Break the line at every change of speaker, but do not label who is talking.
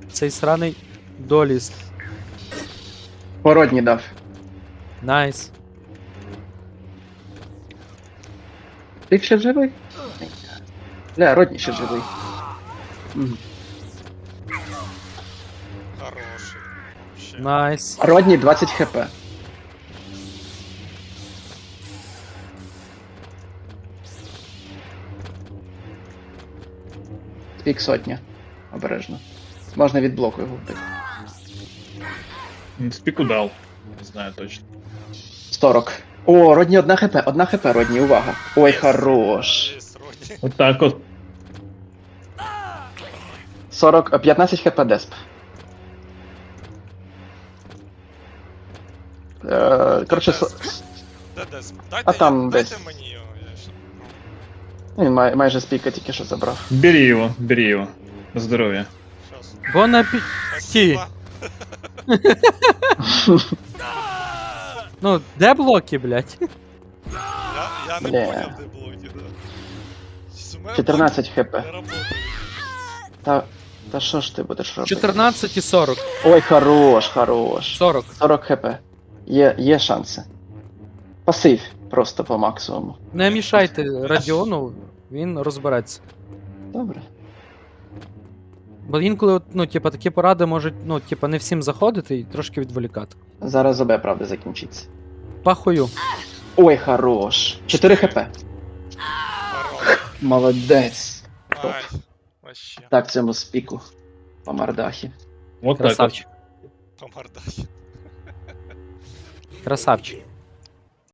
цей сраний доліст.
Породні дав.
Найс.
Ти ще живий? Бля, Родні ще живий. Мгм.
Хороший. Вообще.
Найс.
Родні 20 хп. Спік сотня. Обережно. Можна від блоку його вбити.
Спіку дав. Не знаю точно.
40. О, Родні 1 хп, 1 хп, Родні, увага. Ой, хорош.
Есть, вроде.
Отак от.
40, 15 хп десп. Коротше,
Де десь? Дайте,
там
дайте
десь.
мені його, я ще.
він майже спіка тільки що забрав.
Бери його, бери його. На здоров'я.
Щас.
Бон апеті.
Спасибо.
Ну, де блоки, блядь?
Я не
Бля.
понял, де блоки, да. У мене
14 хп.
блоки не работають.
Та що ж ти будеш робити?
14 і 40.
Ой, хорош, хорош.
40.
40 хп. Є шанси. Пасив просто по максимуму.
Не мішайте Радіону, він розбереться.
Добре.
Бо інколи, от, ну, типа, такі поради можуть, ну, типа, не всім заходити і трошки відволікати.
Зараз ОБ, правда, закінчиться.
Пахую.
Ой, хорош. 4 хп.
Хорош.
Молодець. Топ.
Ай, вообще.
Так, цьому спіку. По мордахі.
От так от.
Красавчик.
По мордахі.
Красавчик.